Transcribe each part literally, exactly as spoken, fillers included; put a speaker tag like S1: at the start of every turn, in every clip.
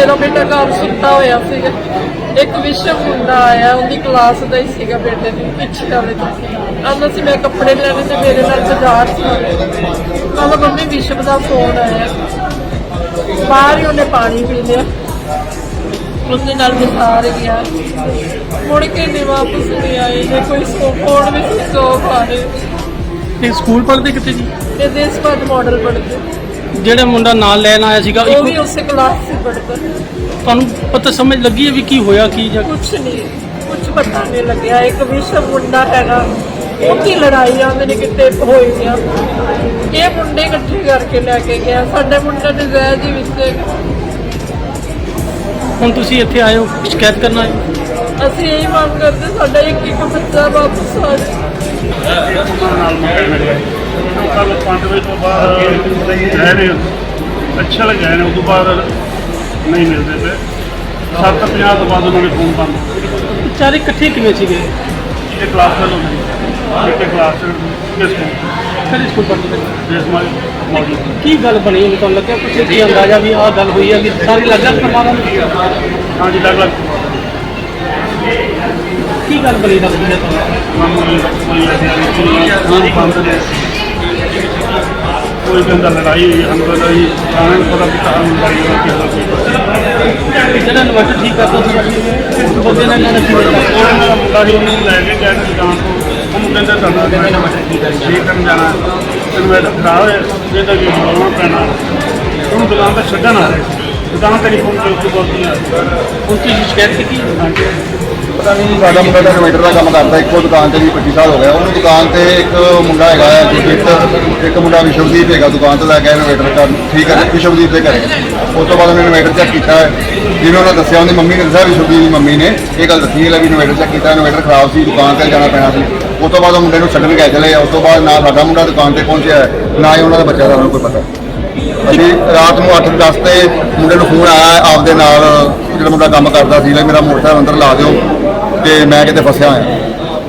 S1: ਮੇਰਾ ਬੇਟਾ ਘਰ ਸੁੱਤਾ ਹੋਇਆ ਸੀਗਾ। ਇੱਕ ਵਿਸ਼ਵ ਮੁੰਡਾ ਆਇਆ, ਉਹਦੀ ਕਲਾਸ ਦਾ ਹੀ ਸੀਗਾ ਬੇਟੇ ਦੀ ਪਿੱਛੇ ਵਾਲੇ ਤੋਂ। ਆਉਂਦਾ ਸੀ ਮੈਂ ਕੱਪੜੇ ਲੈਣੇ ਤੇ ਮੇਰੇ ਨਾਲ ਬਾਜ਼ਾਰ ਸੀ। ਕਹਿੰਦਾ ਮੰਮੀ ਵਿਸ਼ਵ ਦਾ ਫੋਨ ਆਇਆ। ਬਾਹਰ ਹੀ ਉਹਨੇ ਪਾਣੀ ਪੀ ਲਿਆ, ਉਸਦੇ ਨਾਲ ਵਿਸਾਰ ਗਿਆ। ਮੁੜ ਕੇ ਨਹੀਂ ਵਾਪਸ ਨਹੀਂ ਆਏ। ਜੇ ਕੋਈ ਫੋਨ ਵੀ ਸੀ ਸੋ ਪਾਰੇ।
S2: ਇਹ ਸਕੂਲ ਪੜ੍ਹਦੇ ਕਿਤੇ ਜੀ?
S1: ਇਹ ਦੇਸ਼ਪਾਲ ਮਾਡਲ ਪੜ੍ਹਦੇ।
S2: ਜਿਹੜਾ ਮੁੰਡਾ ਨਾਲ ਲੈਣ ਆਇਆ ਸੀਗਾ
S1: ਉਹ ਵੀ ਉਸੇ ਕਲਾਸ ਸੇ ਪੜ੍ਹਦਾ।
S2: ਤੁਹਾਨੂੰ ਪਤਾ ਸਮਝ ਲੱਗੀ ਹੈ ਵੀ ਕੀ ਹੋਇਆ ਕੀ ਜਾਂ
S1: ਕੁਛ ਨਹੀਂ, ਕੁਛ ਪਤਾ ਨਹੀਂ ਲੱਗਿਆ। ਇੱਕ ਵਿਸ਼ਵ ਮੁੰਡਾ ਹੈਗਾ, ਉਹਦੀ ਲੜਾਈ ਆਉਂਦੇ ਨੇ ਕਿਤੇ ਹੋਈ ਆ। ਇਹ ਮੁੰਡੇ ਇਕੱਠੇ ਕਰਕੇ ਲੈ ਕੇ ਗਿਆ। ਸਾਡੇ ਮੁੰਡੇ ਦੇ ਜ਼ਹਿਰ ਦੇ ਵਿੱਚ।
S2: ਹੁਣ ਤੁਸੀਂ ਇੱਥੇ ਆਏ ਹੋ ਸ਼ਿਕਾਇਤ ਕਰਨ ਆਏ ਹੋ?
S1: ਅਸੀਂ ਇਹੀ ਮੰਗ ਕਰਦੇ ਸਾਡਾ ਇੱਕ ਇੱਕ ਬੱਚਾ ਵਾਪਸ ਆ ਜਾਏ।
S3: ਕੱਲ ਪੰਜ ਵਜੇ ਤੋਂ ਬਾਅਦ ਗਏ ਨੇ, ਅੱਛਾ ਲੱਗਿਆ ਨੇ। ਉਸ ਤੋਂ ਬਾਅਦ ਨਹੀਂ ਮਿਲਦੇ ਪਏ। ਸੱਤ ਪੰਜਾਹ ਤੋਂ ਬਾਅਦ ਉਹਨਾਂ ਨੇ ਫੋਨ ਬੰਦ।
S2: ਵਿਚਾਰੇ ਇਕੱਠੇ ਕਿਵੇਂ ਸੀਗੇ?
S3: ਇਹ ਕਲਾਸ ਫੇਲ ਹੋ ਗਈ। ਇੱਕ ਕਲਾਸ ਕਿਸ ਸਕੂਲ
S2: ਕਿਹੜੇ ਸਕੂਲ ਪੜ੍ਹਦੇ?
S3: ਜਿਸ ਮਾਈ ਮੌਜੂਦ
S2: ਕੀ ਗੱਲ ਬਣੀ ਹੈ ਤੁਹਾਨੂੰ ਲੱਗਿਆ ਕੁਛ ਕੀ ਅੰਦਾਜ਼ਾ ਵੀ ਆਹ ਗੱਲ ਹੋਈ ਹੈ ਕਿ ਸਾਰੀ ਲੱਗ ਲੱਗ ਪਰਿਵਾਰਾਂ ਨੂੰ?
S3: ਹਾਂਜੀ ਲੱਗ ਲੱਗ
S2: ਕੀ ਗੱਲ ਬਣੀ ਲੱਗਦੀ ਹੈ ਤੁਹਾਨੂੰ?
S3: ਕੋਈ ਕਹਿੰਦਾ ਲੜਾਈ ਹੋਈ, ਸਾਨੂੰ ਕਹਿੰਦਾ ਜੀ ਸਾਰਿਆਂ ਨੂੰ ਪਤਾ ਕੀਤਾ ਲੜਾਈ ਹੋਈ।
S2: ਜਿਹੜਾ ਇਨਵਰਟਰ ਠੀਕ ਕਰਦਾ ਸੀ ਬੰਦੇ ਨੇ ਇਹਨਾਂ ਨੇ ਕੀ ਕੀਤਾ?
S3: ਉਹਨਾਂ ਦਾ ਮੁੰਡਾ ਸੀ, ਉਹਨੂੰ ਲੈ ਕੇ ਗਿਆ ਦੁਕਾਨ ਤੋਂ। ਉਹਨੂੰ ਕਹਿੰਦਾ ਸਾਡਾ ਠੀਕ ਕਰਨ ਜਾਣਾ, ਇਨਵਰਟਰ ਖਰਾਬ ਹੋਇਆ, ਇਹਦਾ ਵੀ ਬੋਲਣਾ ਪੈਣਾ। ਉਹਨੂੰ ਦੁਕਾਨ ਤੇ ਛੱਡਣ ਆ ਰਹੇ, ਦੁਕਾਨ ਤੇ ਨਹੀਂ ਪਹੁੰਚੇ। ਉਸ ਤੋਂ ਬਾਅਦ ਕੀ ਹੋਇਆ?
S2: ਹੁਣ ਤੁਸੀਂ ਸ਼ਿਕਾਇਤ ਕੀਤੀ?
S4: ਪਤਾ ਨਹੀਂ, ਸਾਡਾ ਮੁੰਡਾ ਤਾਂ ਇਨਵੇਟਰ ਦਾ ਕੰਮ ਕਰਦਾ। ਇੱਕੋ ਦੁਕਾਨ ਤੇ ਵੀ ਪੱਚੀ ਸਾਲ ਹੋ ਗਿਆ ਉਹਨੂੰ। ਦੁਕਾਨ ਤੇ ਇੱਕ ਮੁੰਡਾ ਹੈਗਾ ਹੈ ਗੁਰਜੀਤ, ਇੱਕ ਮੁੰਡਾ ਵਿਸ਼ਵਦੀਪ ਹੈਗਾ। ਦੁਕਾਨ ਤੋਂ ਲੈ ਕੇ ਇਨਵੇਟਰ ਕਰ ਠੀਕ ਹੈ ਵਿਸ਼ਵਦੀਪ ਦੇ ਘਰੇ। ਉਸ ਤੋਂ ਬਾਅਦ ਉਹਨੇ ਇਨਵੇਟਰ ਚੈੱਕ ਕੀਤਾ ਹੈ। ਜਿਵੇਂ ਉਹਨਾਂ ਦੱਸਿਆ, ਉਹਦੀ ਮੰਮੀ ਨੇ ਦੱਸਿਆ, ਵਿਸ਼ਵਦੀਪ ਦੀ ਮੰਮੀ ਨੇ ਇਹ ਗੱਲ ਦੱਸੀ ਹੈ ਵੀ ਇਨਵੇਟਰ ਚੈੱਕ ਕੀਤਾ, ਇਨਵੇਟਰ ਖਰਾਬ ਸੀ, ਦੁਕਾਨ ਤੇ ਜਾਣਾ ਪੈਣਾ ਸੀ। ਉਸ ਤੋਂ ਬਾਅਦ ਉਹ ਮੁੰਡੇ ਨੂੰ ਛੱਡਣ ਗਏ ਚਲੇ। ਉਸ ਤੋਂ ਬਾਅਦ ਨਾ ਸਾਡਾ ਮੁੰਡਾ ਦੁਕਾਨ ਤੇ ਪਹੁੰਚਿਆ ਹੈ, ਨਾ ਹੀ ਉਹਨਾਂ ਦਾ ਬੱਚਾ ਦਾ ਉਹਨੂੰ ਕੋਈ ਪਤਾ। ਅਸੀਂ ਰਾਤ ਨੂੰ ਅੱਠ ਦਸ ਤੇ ਮੁੰਡੇ ਨੂੰ ਫੋਨ ਆਇਆ ਆਪਦੇ ਨਾਲ, ਜਿਹੜਾ ਮੁੰਡਾ ਕੰਮ ਕਰਦਾ ਸੀ, ਮੇਰਾ ਮੋਟਰਸਾਈਕਲ ਅੰਦਰ ਲਾ ਦਿਓ ਤੇ ਮੈਂ ਕਿਤੇ ਫਸਿਆ ਹੋਇਆ।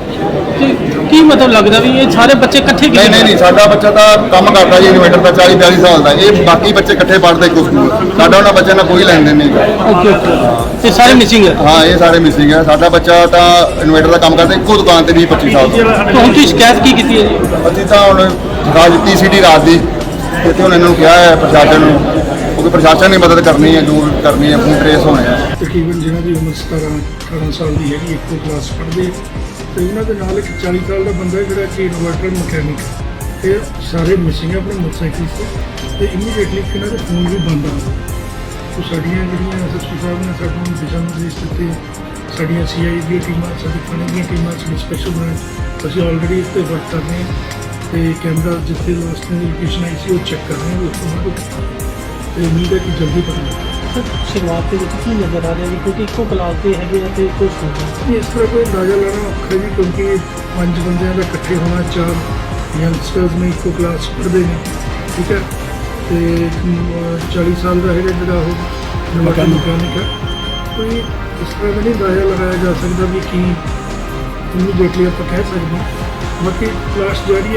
S2: ਕੀ ਕੀ ਮਤਲਬ ਲੱਗਦਾ ਵੀ ਇਹ ਸਾਰੇ ਬੱਚੇ ਇਕੱਠੇ
S4: ਨਹੀਂ ਨਹੀਂ ਨਹੀਂ, ਸਾਡਾ ਬੱਚਾ ਤਾਂ ਕੰਮ ਕਰਦਾ ਜੀ ਇਨਵੇਟਰ ਦਾ, ਚਾਲੀ ਬਿਆਲੀ ਸਾਲ ਦਾ। ਇਹ ਬਾਕੀ ਬੱਚੇ ਇਕੱਠੇ ਪੜ੍ਹਦੇ ਇੱਕੋ ਸਕੂਲ। ਸਾਡਾ ਉਹਨਾਂ ਬੱਚਿਆਂ ਨਾਲ ਕੋਈ ਲੈਣ ਦੇਣ ਨਹੀਂ।
S2: ਓਕੇ ਓਕੇ ਤੇ ਸਾਰੇ ਮਿਸਿੰਗ ਹੈ?
S4: ਹਾਂ, ਇਹ ਸਾਰੇ ਮਿਸਿੰਗ ਹੈ। ਸਾਡਾ ਬੱਚਾ ਤਾਂ ਇਨਵੇਟਰ ਦਾ ਕੰਮ ਕਰਦਾ ਇੱਕੋ ਦੁਕਾਨ ਤੇ ਵੀਹ ਪੱਚੀ ਸਾਲ ਦਾ।
S2: ਤਾਂ ਹੁਣ ਤੁਸੀਂ ਸ਼ਿਕਾਇਤ ਕੀ ਕੀਤੀ ਹੈ ਜੀ?
S4: ਅਸੀਂ ਤਾਂ ਹੁਣ ਰਾਜ ਦਿੱਤੀ ਸੀਟੀ ਰਾਤ ਦੀ, ਇੱਥੇ ਹੁਣ ਇਹਨਾਂ ਨੂੰ ਕਿਹਾ ਹੈ ਪ੍ਰਸ਼ਾਸਨ ਨੂੰ, ਕਿਉਂਕਿ ਪ੍ਰਸ਼ਾਸਨ ਨੇ ਮਦਦ ਕਰਨੀ ਹੈ, ਜੋ ਕਰਨੀ ਹੈ, ਫੋਨ ਟਰੇਸ ਹੋਣੇ ਆ।
S5: ਤਕਰੀਬਨ ਜਿਹਨਾਂ ਦੀ ਉਮਰ ਸਤਾਰਾਂ ਅਠਾਰਾਂ ਸਾਲ ਦੀ ਹੈਗੀ, ਇੱਕੋ ਕਲਾਸ ਪੜ੍ਹਦੇ ਤੇ ਉਹਨਾਂ ਦੇ ਨਾਲ ਇੱਕ ਚਾਲੀ ਸਾਲ ਦਾ ਬੰਦਾ ਜਿਹੜਾ ਕਿ ਇਨਵਰਟਰ ਮਕੈਨਿਕ। ਇਹ ਸਾਰੇ ਮਿਸਿੰਗ ਆਪਣੇ ਮੋਟਰਸਾਈਕਲ ਤੇ ਤੇ ਇਮੀਡੀਏਟਲੀ ਇਹਨਾਂ ਦੇ ਫੋਨ ਵੀ ਬੰਦ ਆ ਗਏ। ਸੋ ਸਾਡੀਆਂ ਜਿਹੜੀਆਂ ਐਸ ਐਸ ਪੀ ਸਾਹਿਬ ਨੇ ਸਾਨੂੰ ਦਿਸ਼ਾ ਨਿਰਦੇਸ਼ ਦਿੱਤੇ, ਸਾਡੀਆਂ ਸੀ ਆਈ ਦੀਆਂ ਟੀਮਾਂ, ਸਾਡੀ ਥਾਣੇ ਦੀਆਂ ਟੀਮਾਂ, ਸਾਡੀ ਸਪੈਸ਼ਲ ਬ੍ਰਾਂਚ, ਅਸੀਂ ਆਲਰੇਡੀ ਇਸ 'ਤੇ ਵਰਕ ਕਰ ਰਹੇ ਹਾਂ ਤੇ ਕੈਮਰਾ ਜਿੱਥੇ ਲਾਸਟ ਦੀ ਲੋਕੇਸ਼ਨ ਆਈ ਸੀ ਉਹ ਚੈੱਕ ਕਰ ਰਹੇ ਹਾਂ। ਉਸ ਤੋਂ ਬਾਅਦ ਤੇ ਉਮੀਦ ਹੈ ਕਿ ਜਲਦੀ ਪਤਾ ਲੱਗੇ।
S2: ਸ਼ੁਰੂਆਤ ਦੇ ਵਿੱਚ ਕੀ ਨਜ਼ਰ ਆ ਰਿਹਾ ਜੀ, ਕਿਉਂਕਿ ਇੱਕੋ ਕਲਾਸ ਦੇ ਹੈਗੇ ਆ ਤੇ ਕੋਈ ਸਕੂਲ
S5: ਇਸ ਤਰ੍ਹਾਂ ਕੋਈ ਅੰਦਾਜ਼ਾ ਲਾਉਣਾ ਔਖਾ ਜੀ, ਕਿਉਂਕਿ ਪੰਜ ਬੰਦਿਆਂ ਦਾ ਇਕੱਠੇ ਹੋਣਾ, ਚਾਰ ਯੰਗਸਟਰਸ ਨੇ ਇੱਕੋ ਕਲਾਸ ਪੜ੍ਹਦੇ ਨੇ, ਠੀਕ ਹੈ। ਤੇ ਚਾਲੀ ਸਾਲ ਦਾ ਹੈਗਾ ਜਿਹੜਾ ਉਹ ਮਕੈਨਿਕ ਹੈ। ਕੋਈ ਇਸ ਤਰ੍ਹਾਂ ਦਾ ਨਹੀਂ ਅੰਦਾਜ਼ਾ ਲਗਾਇਆ ਜਾ ਸਕਦਾ ਵੀ ਕੀ ਇਮੀਡੀਏਟਲੀ ਆਪਾਂ ਕਹਿ ਸਕਦੇ ਹਾਂ। ਬਾਕੀ ਕਲਾਸ ਜਾਰੀ ਹੈ।